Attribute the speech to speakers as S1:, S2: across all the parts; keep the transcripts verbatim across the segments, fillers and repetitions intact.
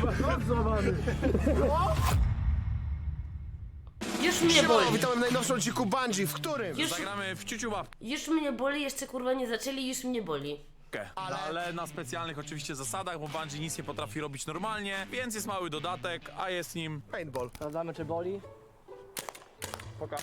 S1: Złamany.
S2: Już mnie
S3: Siema,
S2: boli.
S3: witamy w najnowszym odcinku Bungie, w którym?
S2: Już,
S4: Zagramy w ciuciu babkę.
S2: już mnie boli, jeszcze kurwa nie zaczęli, już mnie boli.
S4: Ale... ale na specjalnych oczywiście zasadach, bo Bungie nic nie potrafi robić normalnie, więc jest mały dodatek, a jest nim...
S3: Paintball.
S1: Sprawdzamy, czy boli.
S4: Pokaż.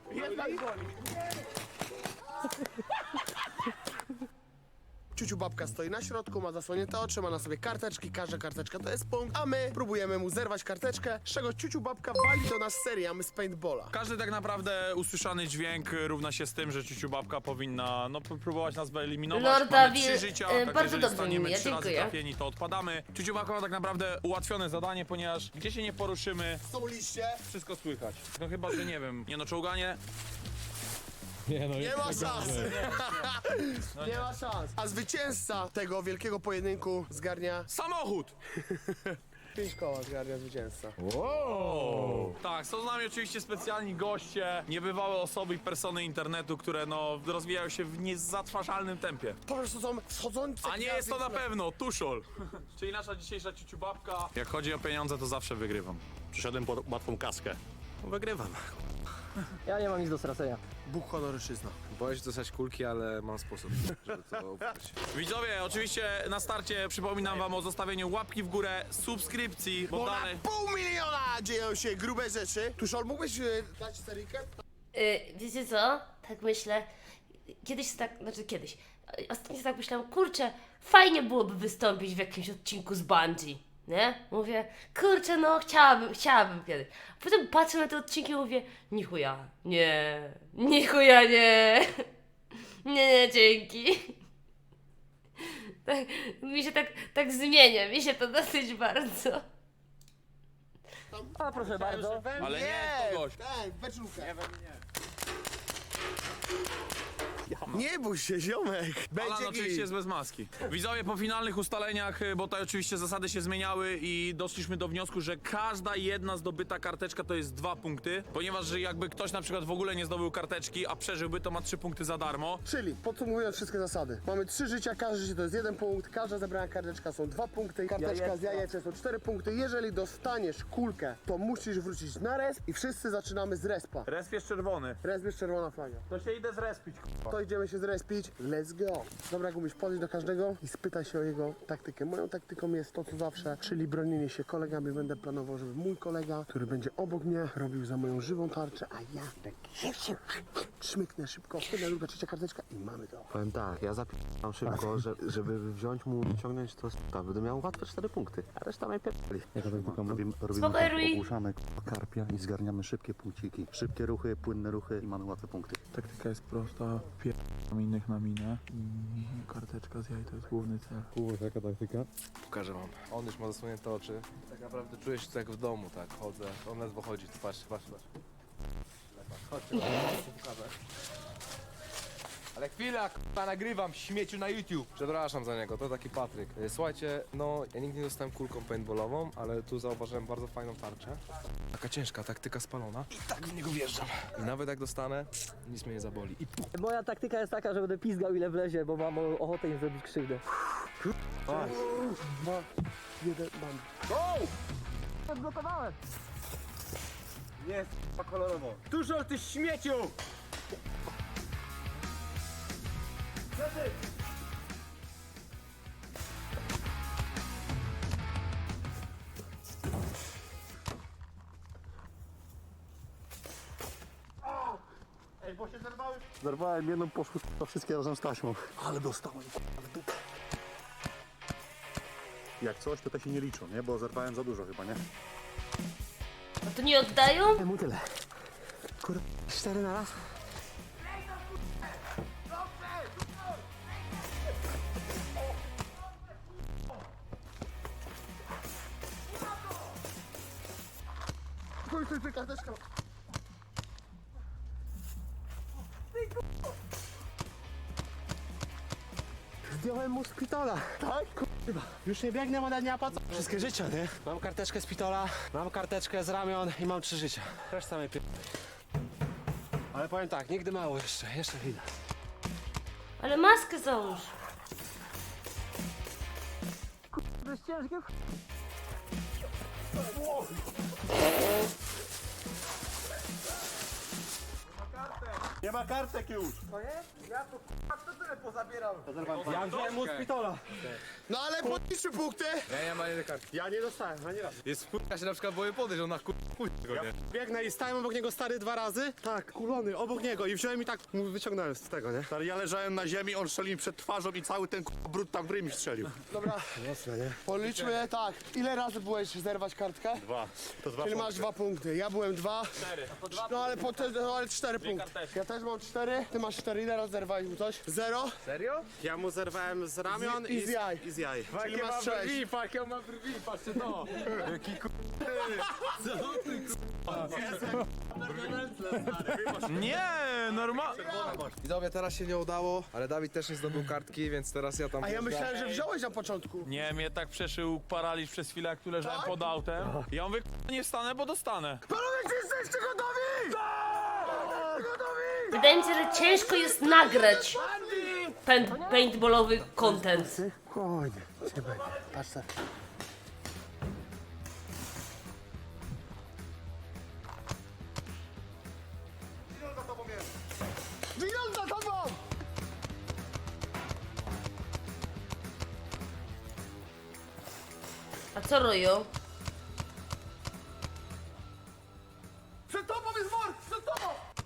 S3: Ciuciu babka stoi na środku, ma zasłonięte oczy, ma na sobie karteczki, każda karteczka to jest punkt, a my próbujemy mu zerwać karteczkę, z czego ciuciu babka wali do nas serię, a my z paintballa.
S4: Każdy tak naprawdę usłyszany dźwięk równa się z tym, że ciuciu babka powinna no, p- próbować nas wyeliminować.
S2: Lorda
S4: Mamy
S2: Wil-
S4: trzy życia,
S2: e,
S4: tak
S2: bardzo
S4: jeżeli
S2: dobrze
S4: staniemy
S2: mi, ja
S4: trzy razy
S2: dziękuję.
S4: trafieni, to odpadamy. Ciuciu babka ma tak naprawdę ułatwione zadanie, ponieważ gdzie się nie poruszymy,
S3: Są liście,
S4: wszystko słychać. No chyba, że nie wiem, nie no czołganie.
S5: Nie no,
S3: nie ma szans.
S4: No
S3: Nie ma szans. A zwycięzca tego wielkiego pojedynku zgarnia
S4: Samochód!
S3: pięć koła, zgarnia zwycięzca.
S4: O! Tak, są z nami oczywiście specjalni goście, niebywałe osoby i persony internetu, które no rozwijają się w niezatwarzalnym tempie.
S3: Po prostu są wschodzące
S4: A nie jest to na pewno Tuszol. Czyli nasza dzisiejsza ciuciubabka. Jak chodzi o pieniądze, to zawsze wygrywam.
S5: przyszedłem po łatwą kaskę.
S4: No, wygrywam.
S1: Ja nie mam nic do stracenia.
S3: Bóg honoryczyzna.
S6: Boję się dostać kulki, ale mam sposób, żeby to ubrać.
S4: Widzowie, oczywiście na starcie przypominam wam o zostawieniu łapki w górę, subskrypcji, bo
S3: Bo
S4: dalej...
S3: na pół miliona dzieją się grube rzeczy. Tuszol, mógłbyś e, dać seryjkę?
S2: Yy, wiecie co? Tak myślę. Kiedyś tak, znaczy kiedyś. Ostatnio tak myślałam, kurczę, fajnie byłoby wystąpić w jakimś odcinku z Bungie. Nie? Mówię, kurczę, no chciałabym, chciałabym kiedyś. Potem patrzę na te odcinki i mówię, ni chuja, nie, ni chuja, nie. Nie, nie, dzięki. Tak, mi się tak, tak zmienia, mi się to dosyć bardzo.
S1: A proszę bardzo.
S4: Ale nie, kogoś.
S3: Tak, beczułkę. Nie bój się, ziomek.
S4: Alan
S3: Będzie
S4: oczywiście
S3: git.
S4: jest bez maski. Widzowie, po finalnych ustaleniach, y, bo tutaj oczywiście zasady się zmieniały i doszliśmy do wniosku, że każda jedna zdobyta karteczka to jest dwa punkty, ponieważ że jakby ktoś na przykład w ogóle nie zdobył karteczki, a przeżyłby, to ma trzy punkty za darmo.
S3: Czyli podsumowując wszystkie zasady. Mamy trzy życia, każde życie to jest jeden punkt, każda zebrana karteczka są dwa punkty, karteczka z jajeczem są cztery punkty. Jeżeli dostaniesz kulkę, to musisz wrócić na resp i wszyscy zaczynamy z respa.
S4: Resp jest czerwony.
S3: Resp jest czerwona flaga.
S4: To się idę zrespić.
S3: To idziemy się zrespić. Let's go. Dobra, Gumiś, podejdź do każdego i spytaj się o jego taktykę. Moją taktyką jest to, co zawsze, czyli bronienie się kolegami. Będę planował, żeby mój kolega, który będzie obok mnie, robił za moją żywą tarczę, a ja szmyknę szybko. Jedna, druga, trzecia karteczka i mamy to.
S6: Powiem tak, ja zapisam szybko, że, żeby wziąć mu i ciągnąć to to będę miał łatwe cztery punkty, a reszta najpierw.
S7: Jaka taktyka? Robimy, robimy
S2: Spoko,
S7: tak,
S2: Rui.
S7: ogłuszamy k***a karpia i zgarniamy szybkie punkciki. Szybkie ruchy, płynne ruchy i mamy łatwe punkty.
S8: Taktyka jest prosta, pierdam innych na minę i karteczka z jaj to jest główny cel.
S7: Kurwa, jaka taktyka?
S6: Pokażę wam. On już ma zasłonięte oczy. Tak naprawdę czuję się tu jak w domu, tak, chodzę. On ledwo chodzi, patrz, patrz, patrz. Chodźcie, chodźcie, pokażę. Ale chwila, k***a, nagrywam śmieciu na YouTube. Przepraszam za niego, to taki Patryk. E, Słuchajcie, no ja nigdy nie dostałem kulką paintballową, ale tu zauważyłem bardzo fajną tarczę. Taka ciężka, taktyka spalona. I tak w niego wjeżdżam. I nawet jak dostanę, nic mnie nie zaboli. I pu-
S1: Moja taktyka jest taka, że będę pizgał ile wlezie, bo mam o- ochotę im zrobić krzywdę.
S3: Dwa, jeden, mam.
S1: Odblokowałem!
S6: Jest, kolorowo. Dużo ty śmieciu!
S7: Zerwałem jedną, poszły k***a wszystkie razem z taśmą. Ale dostałem k***a w dupę. Jak coś, to te się nie liczą, nie? Bo zerwałem za dużo chyba, nie?
S2: No to nie oddają?
S3: Temu tyle. Kur... cztery na raz. Stój, stój, stój, karteczka. Zdjąłem mu z pitola. Tak? Kurwa. Już nie biegnę, ona nie opłaca.
S9: Wszystkie życia, nie? Mam karteczkę z pitola, mam karteczkę z ramion i mam trzy życia. Reszta mnie pier... Ale powiem tak, nigdy mało jeszcze, jeszcze chwilę.
S2: Ale maskę załóż.
S1: To jest ciężkie.
S5: Nie ma kartek już.
S9: Ja wziąłem mu z pitola.
S3: No ale podliczmy punkty.
S6: Ja nie mam jednej kartki.
S9: Ja nie dostałem, ani raz.
S6: Jest wpół, ja się na przykład boję podejść, on na kur... go, nie?
S9: Biegnę i stałem obok niego stary dwa razy. Tak, kulony, obok niego i wziąłem i tak mu wyciągnąłem z tego, nie?
S5: Stary, ja leżałem na ziemi, on strzelił mi przed twarzą i cały ten k***a brud tam w ryj mi strzelił.
S3: Dobra,
S9: Mocno, nie?
S3: policzmy tak. Ile razy byłeś zerwać kartkę?
S5: Dwa. To dwa
S3: Czyli
S5: punkty.
S3: masz dwa punkty. Ja byłem dwa. Cztery. No ale po te, no, ale cztery punkty. Ja też mam cztery. Ty masz cztery. Ile razy zerwałeś mu coś? Zero.
S6: Serio?
S9: Ja mu zerwałem z ramion
S3: Z- i z jaj.
S9: I z jaj.
S3: Czyli masz sześć.
S6: patrz, ja mam brwi, patrzcie to. Jaki kur...
S4: Nie, normalnie.
S6: Widzowie, teraz się nie udało, ale Dawid też nie zdobył kartki, więc teraz ja tam...
S3: A ja myślałem, że wziąłeś na początku.
S4: Nie, mnie tak przeszył paraliż przez chwilę, jak tu leżałem pod autem. Ja mówię, k***a, nie wstanę, bo dostanę.
S3: Panowie, czy jesteście gotowi? Tak! Gotowi!
S2: Wydaje mi się, że ciężko jest nagrać paint, paintballowy content.
S3: Spokojnie, nie będzie. Patrz se. Winął za tobą!
S2: A co roją?
S3: Przed tobą jest wor! Przed tobą!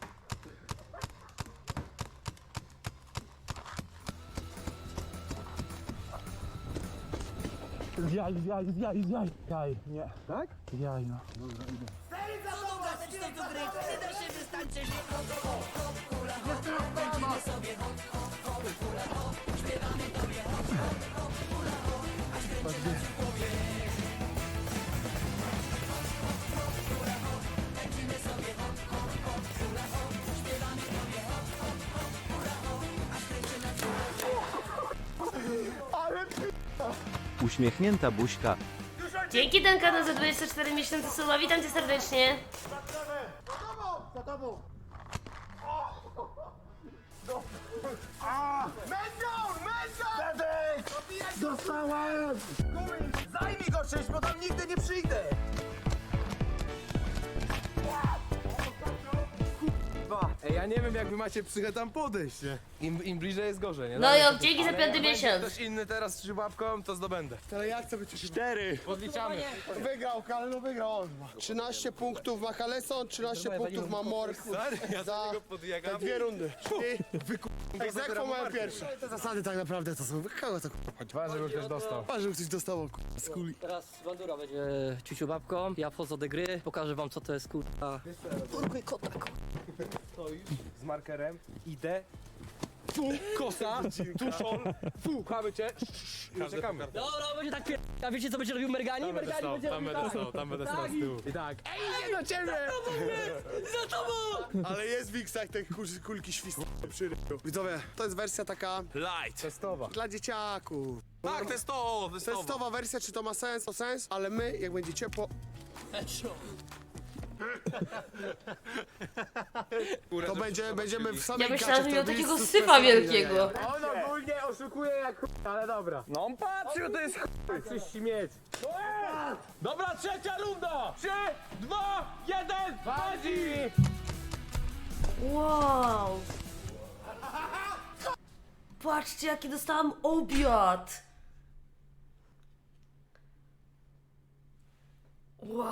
S8: Zjaj, zjaj, zjaj, zjaj. Jaj, nie. Tak? Jaj, no.
S10: Uśmiechnięta buźka.
S2: Dzięki Duncanu za dwadzieścia cztery miesiące suba, witam cię serdecznie.
S3: Za tobą! Za tobą! Mędzą! Mędzą! Dostałem! Zajmij go czymś, bo tam nigdy nie przyjdę!
S6: Ej, ja nie wiem, jak wy macie psychę tam podejść, nie? Im, im bliżej jest gorzej, nie?
S2: No
S6: Dawaj,
S2: jo,
S6: to-
S2: dzięki za
S6: Ale
S2: piąty
S6: jak będzie
S2: miesiąc.
S6: ktoś inny teraz z łapką, to zdobędę.
S3: Ale ja chcę być
S5: Cztery.
S6: Podliczamy.
S3: Wygrał, ale no wygrał on. trzynaście punktów ma Kaleson, trzynaście punktów ma Mork.
S6: Stary, ja
S3: Za
S6: za niego
S3: te
S6: podjegam.
S3: dwie rundy. I
S6: Ej,
S3: egzekwo mają pierwsze. Te zasady tak naprawdę to są. Kogo to k***a?
S6: Dwa, żeby ktoś dostał.
S3: Patrz, żeby ktoś dostał k***a, z kuli.
S1: Teraz bandura będzie ciuciu babką, ja wchodzę do gry, pokażę wam co to jest kurwa. Urkuj kota,
S6: Z markerem. Idę. Tu, kosa, tu szol, tu, chamy cię. I czekamy.
S1: Dobra, będzie tak pier... A wiecie co będzie robił Mergani? Mergani będzie robił tak.
S6: tam będę stał z tyłu. I tak.
S3: Ej, idzie do ciebie!
S1: Za tobą!
S3: Ale jest w X-ach te kul- kulki świstne przy ryju. Widzowie, to jest wersja taka
S4: Light.
S6: Testowa.
S3: dla dzieciaków.
S4: Tak, testowo, testowo.
S3: Testowa wersja, czy to ma sens? To sens, ale my, jak będzie ciepło, to będzie, będziemy w samej
S2: Ja myślałam, że
S3: gacie,
S2: miał
S3: to
S2: takiego
S3: jest
S2: syfa wielkiego.
S6: On ogólnie oszukuje jak ch... ale dobra. No on patrzył, to jest ch... Chcesz śmieć.
S4: Dobra, trzecia runda! Trzy, dwa, jeden, Badzi!
S2: Wow. Patrzcie, jaki dostałam obiad. Wow.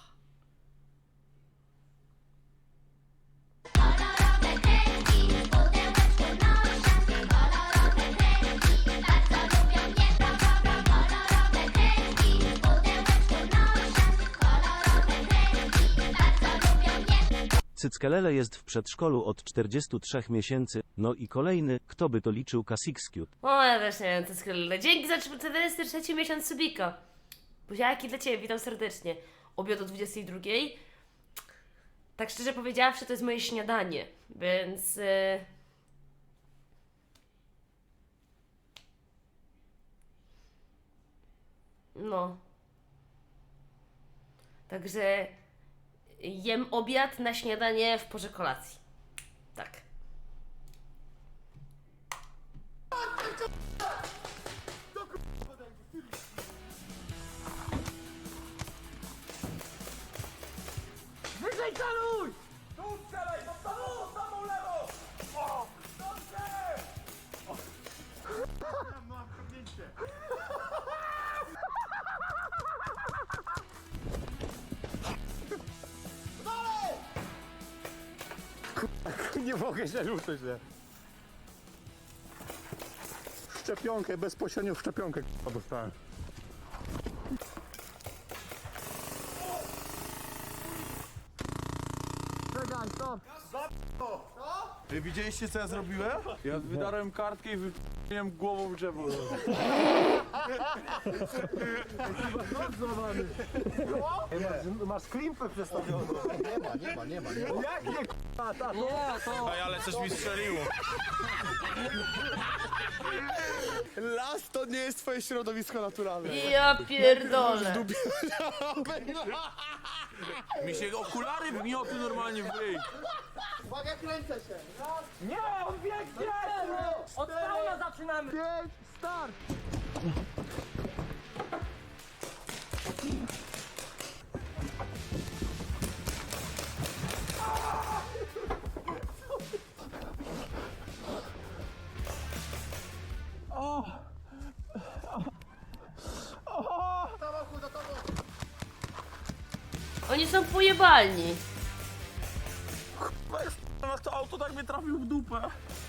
S10: Cyckelele jest w przedszkolu od czterdziestu trzech miesięcy. No i kolejny, kto by to liczył Kasixcute.
S2: O, ja też nie wiem, to jest chwilę. Dzięki za czterdziesty trzeci miesiąc subika. Buziaki dla ciebie, witam serdecznie. Obiad o dwudziestej drugiej. Tak szczerze powiedziawszy, to jest moje śniadanie, więc... Yy... No. Także jem obiad na śniadanie w porze kolacji. Tak.
S3: Nie mogę się ruszyć, nie?
S5: Szczepionkę, bezpośrednio w szczepionkę k***a, dostałem.
S3: Czekaj, stop!
S4: Wy widzieliście co ja zrobiłem? Ja wydarłem kartkę i wyp***łem głową w drzewo.
S3: Masz klimpę przestawioną. Nie ma, nie ma, nie ma. Nie ma. Jak nie k***a, tato?
S1: Nie, to...
S4: Ej, ale coś mi strzeliło.
S3: Las to nie jest twoje środowisko naturalne.
S2: Ja pierdolę.
S4: Mi się okulary wgniotły normalnie w ryj.
S3: Uwaga, kręcę się.
S1: Nie, on biegnie! Od fauna zaczynamy!
S3: Pięć, start!
S2: Oni są pojebalni.
S4: Weź, to auto tak mnie trafił w dupę.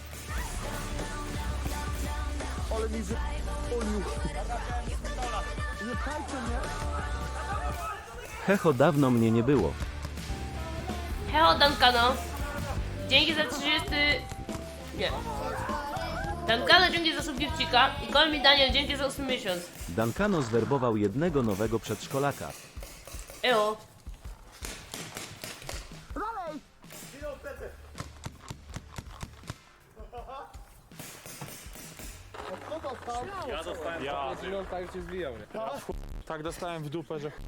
S3: Ale mi wypolił. Nie pchajcie mnie.
S10: Hecho, dawno mnie nie było.
S2: Heo Dankano. Dzięki za trzydziesty... Nie. Dankano dzięki za subgifcika i Call Me Daniel dzięki za ósmy miesiąc.
S10: Dankano zwerbował jednego nowego przedszkolaka.
S2: Eo.
S4: Ja dostałem. Ja.
S6: No tak się zwijał, nie?
S4: Tak dostałem w dupę, że.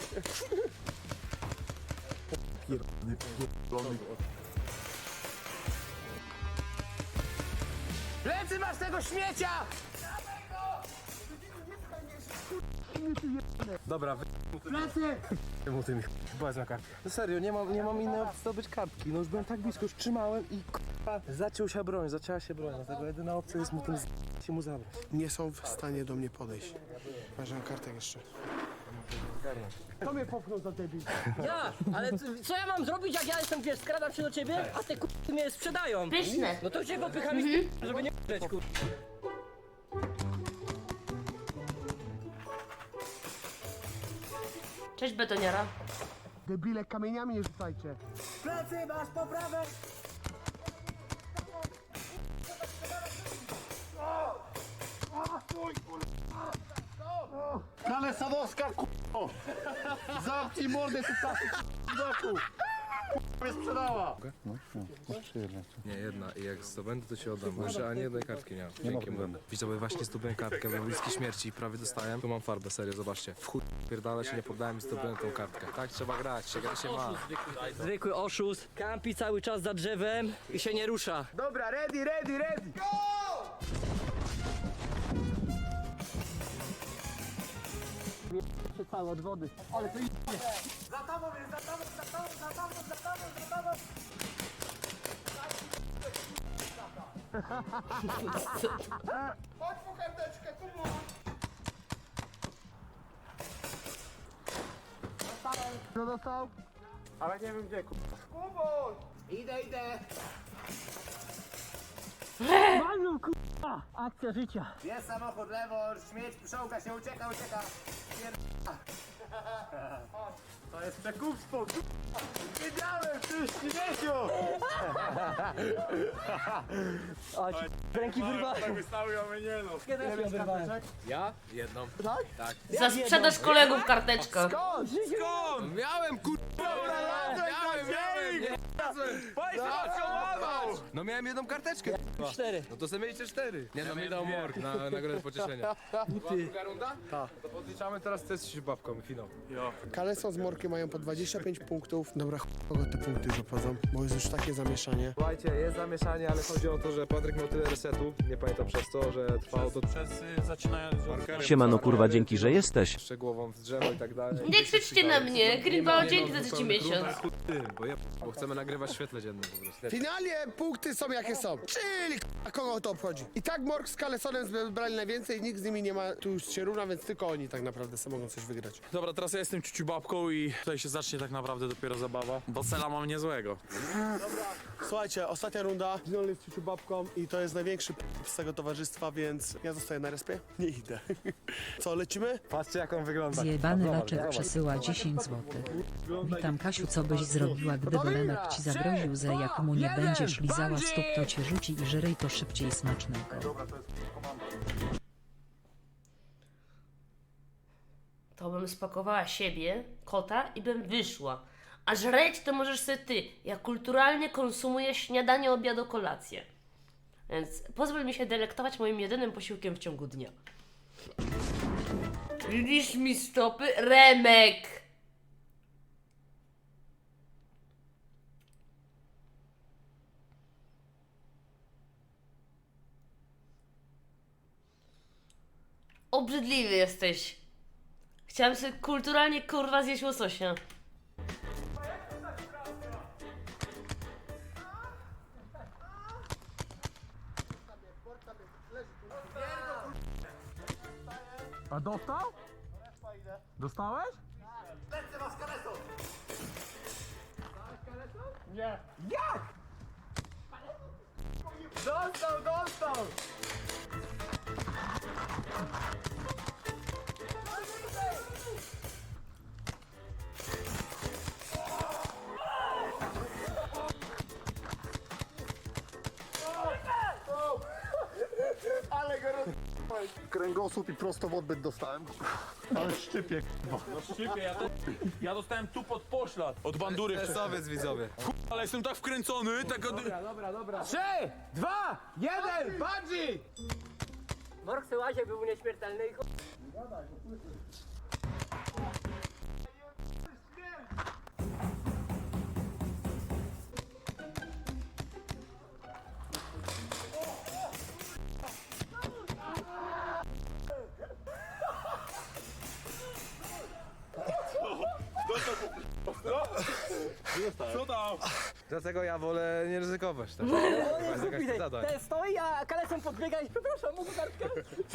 S3: Plecy masz tego śmiecia!
S9: Dobra, wy...
S3: Plecy!
S9: mu tym bardzo na kartkę. No serio, nie mam, nie mam innej opcji zdobyć kartki. No już byłem tak blisko, już trzymałem i k***a, zaciął się broń, zacięła się broń. Dlatego jedyna opcja jest mu tym z... się mu zabrać.
S3: Nie są w stanie do mnie podejść. Masz kartę jeszcze. Kto mnie popchnął za debil?
S1: Ja! Ale c- co ja mam zrobić, jak ja jestem, wiesz, skradam się do ciebie, a te k***y mnie sprzedają?
S2: Pyszne.
S1: No to cię popycham i żeby nie k***eć, kur...
S2: Cześć betoniara.
S3: Debile, kamieniami nie rzucajcie.
S1: Plecy, masz poprawę!
S5: Ale Sadowska, k***o! Zamknij mordę, ty tasy, k***o! Mnie sprzedała!
S7: No, no, jeszcze jedna.
S6: Nie, jedna. I jak zdobędę, to się oddam. Bo jeszcze ani jednej kartki nie mam.
S7: Nie ma
S6: Dzięki mu.
S7: problemu.
S6: Widzowie, właśnie zdobyłem kartkę, byłem bliski śmierci i prawie dostałem. Tu mam farbę, serio, zobaczcie. W chuj pierdolę się nie poddałem i zdobyłem tą kartkę. Tak trzeba grać, czego się ma.
S1: Zwykły oszust, kampi cały czas za drzewem i się nie rusza.
S3: Dobra, ready, ready, ready!
S1: Się cały od wody.
S3: Ale to idzie. Chodź po karteczkę, kubu! Kto dostał? Ale nie wiem gdzie, kubu. Kubu! Idę, idę!
S1: Manu, k***a! Akcja życia.
S3: Jest samochód, lewo, śmieć, pszczółka się ucieka, ucieka. Pier- To jest przekupstwo, k***a! Wiedziałem, ty śmieciu!
S1: O, ci ręki wyrwałem.
S4: Tak wystały, a my nie no.
S1: Ile miał wyrwałem?
S6: Ja? Jedną.
S2: Za sprzedaż kolegów karteczka.
S1: Skąd?
S4: Skąd?
S6: Miałem, kur... Miałem, miałem! Nie, no miałem jedną karteczkę.
S1: Cztery.
S6: No to sobie mieliście cztery. Nie no, mi dał morg na nagrodę pocieszenia. Druga runda? Tak. To podliczamy teraz test z babką i finał.
S3: Kaleson z Morkiem mają po dwadzieścia pięć punktów. Dobra, ch... kogo te punkty już obchodzą, bo jest już takie zamieszanie.
S6: Słuchajcie, jest zamieszanie, ale chodzi o to, że Patryk miał tyle resetu, nie pamiętam przez to, że trwało to
S4: Przez y, zaczynając od...
S10: Siemano kurwa, dzięki, że jesteś.
S6: szczegółową w drzewo i tak dalej.
S2: Nie krzyczcie na mnie, Greenbow dzięki za trzeci miesiąc.
S6: Ty, bo ja bo chcemy nagrać nagrywać w świetle dziennym po prostu.
S3: Finalnie punkty są jakie są. Czyli k***a, kogo to obchodzi. I tak Morg z Kalesonem zbrali najwięcej, nikt z nimi nie ma, tu już się równa, więc tylko oni tak naprawdę sobie mogą coś wygrać.
S4: Dobra, teraz ja jestem ciuciu babką i tutaj się zacznie tak naprawdę dopiero zabawa, bo cela mam niezłego.
S3: Słuchajcie, ostatnia runda. Ginol jest ciuciu babką i to jest największy p- z tego towarzystwa, więc ja zostaję na respie. Nie idę. Co, lecimy?
S9: Patrzcie jak on wygląda.
S11: Zjebany laczek przesyła dziesięć złotych. Witam Kasiu, co byś zrobiła, gdyby Lemek ci zagroził, że jak mu nie będziesz lizała stóp, to cię rzuci i żryj to szybciej smacznego.
S2: To bym spakowała siebie, kota i bym wyszła. A żreć to możesz sobie ty. Ja kulturalnie konsumuję śniadanie, obiad, kolację. Więc pozwól mi się delektować moim jedynym posiłkiem w ciągu dnia. Lisz mi stopy, Remek! Obrzydliwy jesteś. Chciałam sobie kulturalnie kurwa zjeść łososia.
S8: A dostał? Dostałeś?
S9: Dostał, dostał!
S3: Ale go roz...
S5: Kręgosłup i prosto w odbyt dostałem. Ale szczypie, k***a.
S4: Szybie, ja, to, ja dostałem tu pod poślad od bandury.
S6: Stresowiec widzowie.
S4: Ale jestem tak wkręcony, tak od...
S9: Trzy, dwa, jeden, bungee!
S1: Morg Syłazie był nieśmiertelny i ch...
S4: Co tam?
S6: Dlatego ja wolę nie ryzykować. Tak? To jest jakaś zadań.
S1: Ten stoi, a Kaleson podbiega i przepraszam, mógł kartkę?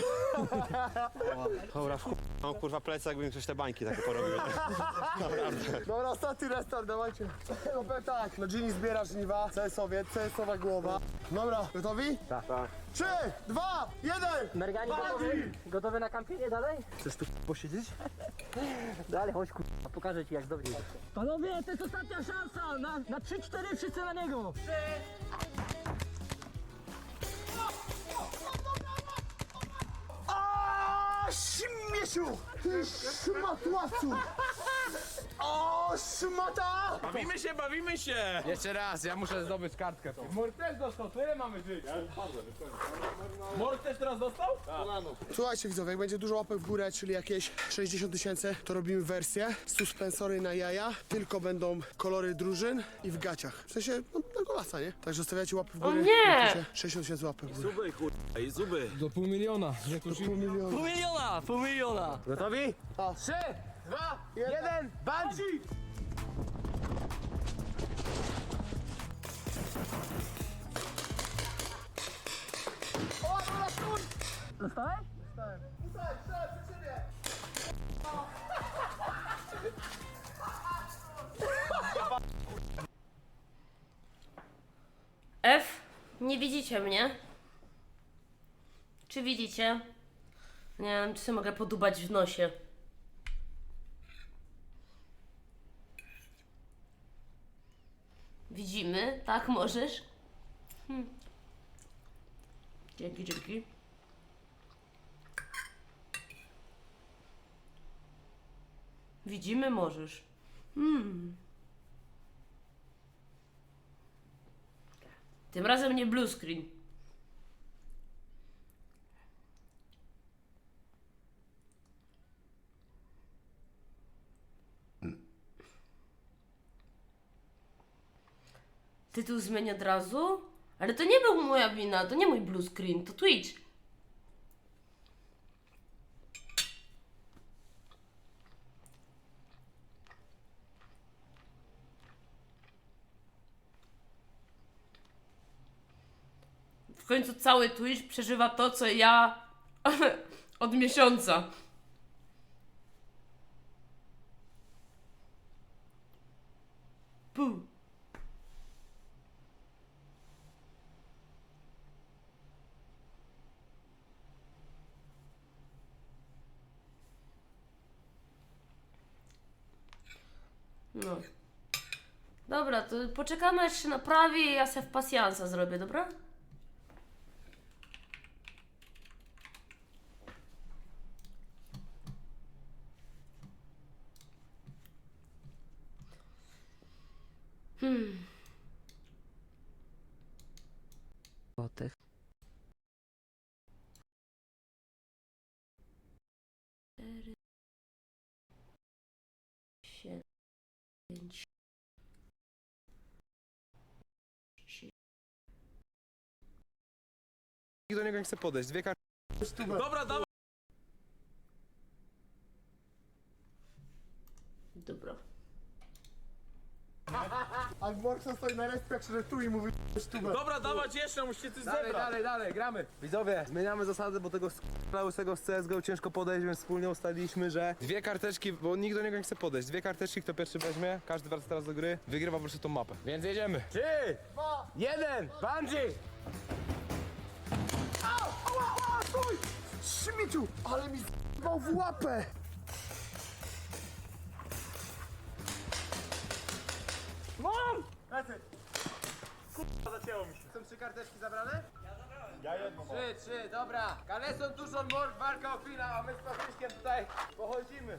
S5: Dobra, w no kurwa plecak, jakbym ktoś te bańki takie porobił.
S3: Dobra, ostatni restart, dawajcie. No powiem tak, no Gini zbiera żniwa, C S owiec, C S owa głowa. Dobra, gotowi? Tak. Trzy, dwa, jeden!
S1: Mergani gotowy? Gotowy na kampienie dalej?
S9: Chcesz tu posiedzieć?
S1: Dalej, chodź kurwa, pokażę ci jak dobrze. Panowie, to jest ostatnia szansa! Na, na trzy cztery wszyscy na niego!
S3: O, śmieciu! Ty szmatłacu! O, szmata!
S4: Bawimy się, bawimy się!
S6: Jeszcze raz, ja muszę zdobyć kartkę.
S9: Mur też dostał, tyle mamy żyć.
S4: Morg też teraz dostał?
S3: Słuchajcie widzowie, jak będzie dużo łapek w górę, czyli jakieś sześćdziesiąt tysięcy, to robimy wersję. Suspensory na jaja, tylko będą kolory drużyn i w gaciach. W sensie, no, na golasa, nie? Także stawiacie łapy w
S2: O
S3: górę.
S2: nie!
S3: Napiszcie sześćdziesiąt tysięcy łapek w górę.
S4: Zuby, kurwa, i zuby.
S6: Do pół miliona.
S3: Pół miliona.
S1: Pół miliona, pół miliona!
S9: Gotowi? Trzy, dwa, jeden, bungee!
S1: Dostałeś?
S2: F, nie widzicie mnie? Czy widzicie? Nie wiem, czy sobie mogę podubać w nosie. Widzimy? Tak, możesz? Hm. Dzięki, dzięki. Widzimy, możesz. Hmm. Tym razem nie blue screen. Tytuł zmień od razu? Ale to nie był moja wina, to nie mój blue screen, to Twitch. końcu cały Twitch przeżywa to, co ja od miesiąca. Puh. No. Dobra, to poczekamy aż się naprawi i ja se w pasjansa zrobię, dobra? Hmm.
S11: Złotych.
S2: Cztery, pięć,
S9: Nikt do niego nie chce podejść. Dwie kartki.
S4: Dobra, dawaj.
S2: Dobra.
S3: A Morkson stoi na respie, jak się tu i mówi sztubę.
S4: Dobra, dawać jeszcze, musicie coś
S9: Dalej,
S4: zebrać.
S9: dalej, dalej, gramy. Widzowie, zmieniamy zasady, bo tego łysego z C S G O ciężko podejść, więc wspólnie ustaliliśmy, że dwie karteczki, bo nikt do niego nie chce podejść. Dwie karteczki, kto pierwszy weźmie, każdy wraca teraz do gry, wygrywa po prostu tą mapę. Więc jedziemy. Trzy, dwa, jeden, bungee!
S3: Au, ała, ała, stój! Śmieciu, ale mi z***ał w łapę!
S5: Mam! Lecę. Kurwa, zacięło mi się.
S9: Są trzy karteczki zabrane? Ja zabrałem. Ja jedną mam. Trzy, trzy, dobra. Kaleson, Tuszon, Morg, walka o finał, a my z Patrykiem tutaj pochodzimy.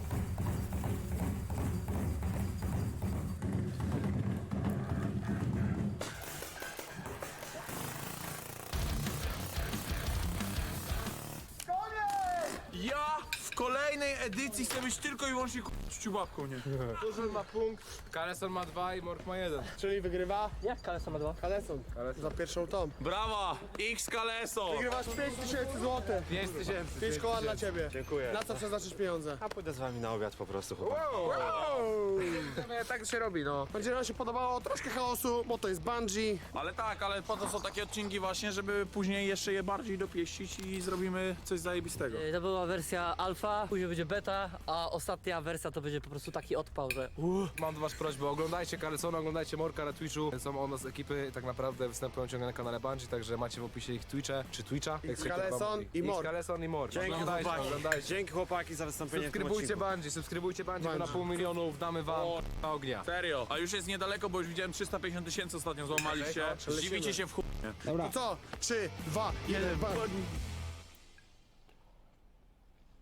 S4: Ja w kolejnej edycji chcę być tylko i wyłącznie ciubabką, nie?
S9: Tuszon ma punkt, Kaleson ma dwa i Morg ma jeden.
S3: Czyli wygrywa
S1: Jak Kaleson ma dwa?
S3: Kaleson. Za pierwszą tą.
S4: Brawa! X Kaleso!
S3: Wygrywasz pięć tysięcy złotych.
S9: pięć tysięcy.
S3: pięć koła dla ciebie.
S5: Dziękuję.
S3: Na co przeznaczysz pieniądze?
S5: A pójdę z wami na obiad po prostu, chłopak.
S9: Tak się robi, no.
S3: Będzie nam się podobało troszkę chaosu, bo to jest bungee.
S4: Ale tak, ale po to są takie odcinki właśnie, żeby później jeszcze je bardziej dopieścić i zrobimy coś zajebistego.
S1: To była wersja alfa, później będzie beta, a ostatnia wersja to będzie po prostu taki odpał, że
S9: Mam do was prośbę, oglądajcie Kalesona, oglądajcie Morka na Twitchu. Są od nas ekipy, tak naprawdę występują ciągle na kanale Bungie, także macie w opisie ich Twitche, czy Twitcha. jak się
S3: Kaleson
S9: to-
S3: i Morg.
S9: Kaleson i Morg.
S5: Dzięki
S9: Oglądajcie,
S5: chłopaki.
S9: oglądajcie.
S5: Dzięki chłopaki za wystąpienie w tym
S9: Subskrybujcie
S5: odcinku.
S9: Bungie, subskrybujcie Bungie, bo na
S3: Bungie.
S9: pół milionów damy wam na ognia.
S4: Serio. A już jest niedaleko, bo już widziałem trzysta pięćdziesiąt tysięcy ostatnio złamaliście. Zdziwicie się w chuj.
S3: To co? trzy, dwa, jeden, bungee.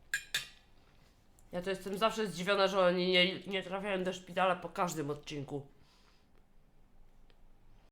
S2: Ja to jestem zawsze zdziwiona, że oni nie, nie trafiają do szpitala po każdym odcinku.